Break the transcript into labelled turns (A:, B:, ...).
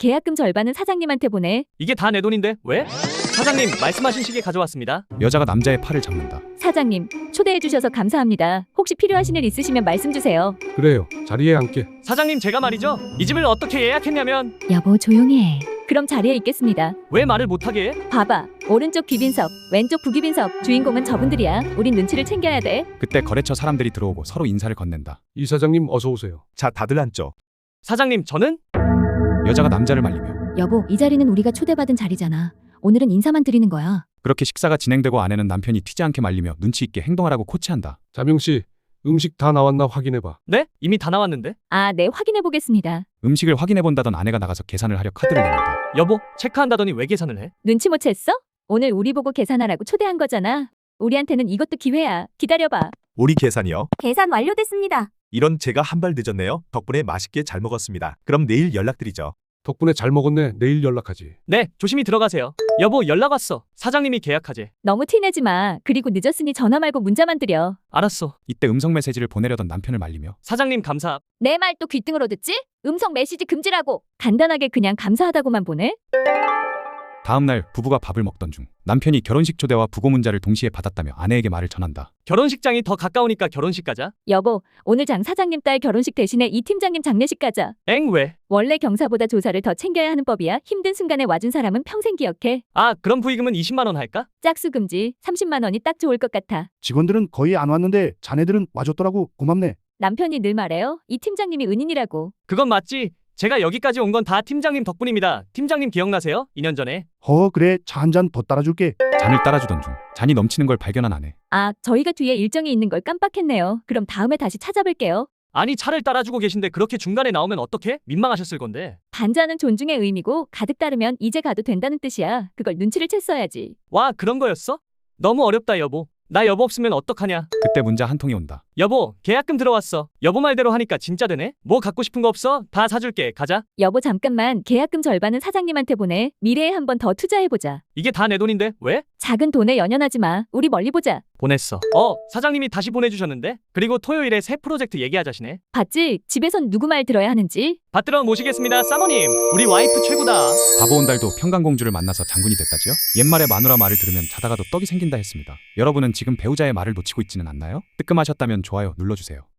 A: 계약금 절반은 사장님한테 보내.
B: 이게 다 내 돈인데 왜? 사장님 말씀하신 시계 가져왔습니다.
C: 여자가 남자의 팔을 잡는다.
A: 사장님, 초대해 주셔서 감사합니다. 혹시 필요하신 일 있으시면 말씀 주세요.
D: 그래요. 자리에 앉게.
B: 사장님 제가 말이죠. 이 집을 어떻게 예약했냐면
A: 여보, 조용히 해. 그럼 자리에 있겠습니다.
B: 왜 말을 못하게 해?
A: 봐봐. 오른쪽 귀빈석, 왼쪽 부귀빈석. 주인공은 저분들이야. 우린 눈치를 챙겨야 돼.
C: 그때 거래처 사람들이 들어오고 서로 인사를 건넨다.
D: 이 사장님 어서 오세요.
E: 자, 다들 앉죠.
B: 사장님 저는?
C: 여자가 남자를 말리며
A: 여보, 이 자리는 우리가 초대받은 자리잖아. 오늘은 인사만 드리는 거야.
C: 그렇게 식사가 진행되고 아내는 남편이 튀지 않게 말리며 눈치 있게 행동하라고 코치한다.
D: 자명 씨, 음식 다 나왔나 확인해봐.
B: 네? 이미 다 나왔는데?
A: 아, 네, 확인해 보겠습니다.
C: 음식을 확인해 본다던 아내가 나가서 계산을 하려 카드를 내민다.
B: 여보 체크한다더니 왜 계산을 해?
A: 눈치 못 챘어? 오늘 우리 보고 계산하라고 초대한 거잖아. 우리한테는 이것도 기회야. 기다려봐.
E: 우리 계산이요?
A: 계산 완료됐습니다.
E: 이런 제가 한 발 늦었네요. 덕분에 맛있게 잘 먹었습니다. 그럼 내일 연락드리죠.
D: 덕분에 잘 먹었네. 내일 연락하지.
B: 네 조심히 들어가세요. 여보 연락 왔어. 사장님이 계약하재.
A: 너무 티내지 마. 그리고 늦었으니 전화 말고 문자만 드려.
B: 알았어.
C: 이때 음성 메시지를 보내려던 남편을 말리며
B: 사장님 감사.
A: 내 말 또 귀등으로 듣지? 음성 메시지 금지라고. 간단하게 그냥 감사하다고만 보내?
C: 다음날 부부가 밥을 먹던 중 남편이 결혼식 초대와 부고 문자를 동시에 받았다며 아내에게 말을 전한다.
B: 결혼식장이 더 가까우니까 결혼식 가자.
A: 여보, 오늘 장 사장님 딸 결혼식 대신에 이 팀장님 장례식 가자.
B: 엥 왜?
A: 원래 경사보다 조사를 더 챙겨야 하는 법이야. 힘든 순간에 와준 사람은 평생 기억해.
B: 아 그럼 부의금은 20만 원 할까?
A: 짝수 금지 30만 원이 딱 좋을 것 같아.
F: 직원들은 거의 안 왔는데 자네들은 와줬더라고. 고맙네.
A: 남편이 늘 말해요. 이 팀장님이 은인이라고.
B: 그건 맞지. 제가 여기까지 온 건 다 팀장님 덕분입니다. 팀장님 기억나세요? 2년 전에.
F: 그래. 차 한 잔 더 따라줄게.
C: 잔을 따라주던 중 잔이 넘치는 걸 발견한 아내.
A: 아, 저희가 뒤에 일정이 있는 걸 깜빡했네요. 그럼 다음에 다시 찾아뵐게요.
B: 아니 차를 따라주고 계신데 그렇게 중간에 나오면 어떡해? 민망하셨을 건데.
A: 반자는 존중의 의미고 가득 따르면 이제 가도 된다는 뜻이야. 그걸 눈치를 챘어야지.
B: 와 그런 거였어? 너무 어렵다 여보. 나 여보 없으면 어떡하냐.
C: 그때 문자 한 통이 온다.
B: 여보 계약금 들어왔어. 여보 말대로 하니까 진짜 되네. 뭐 갖고 싶은 거 없어? 다 사줄게. 가자.
A: 여보, 잠깐만. 계약금 절반은 사장님한테 보내. 미래에 한 번 더 투자해보자.
B: 이게 다 내 돈인데 왜?
A: 작은 돈에 연연하지 마. 우리 멀리 보자.
B: 보냈어. 사장님이 다시 보내주셨는데? 그리고 토요일에 새 프로젝트 얘기하자시네.
A: 봤지? 집에선 누구 말 들어야 하는지.
B: 받들어 모시겠습니다 사모님. 우리 와이프 최고다.
C: 바보 온달도 평강공주를 만나서 장군이 됐다지요? 옛말에 마누라 말을 들으면 자다가도 떡이 생긴다 했습니다. 여러분은 지금 배우자의 말을 놓치고 있지는 않나요? 뜨끔하셨다면 좋아요 눌러주세요.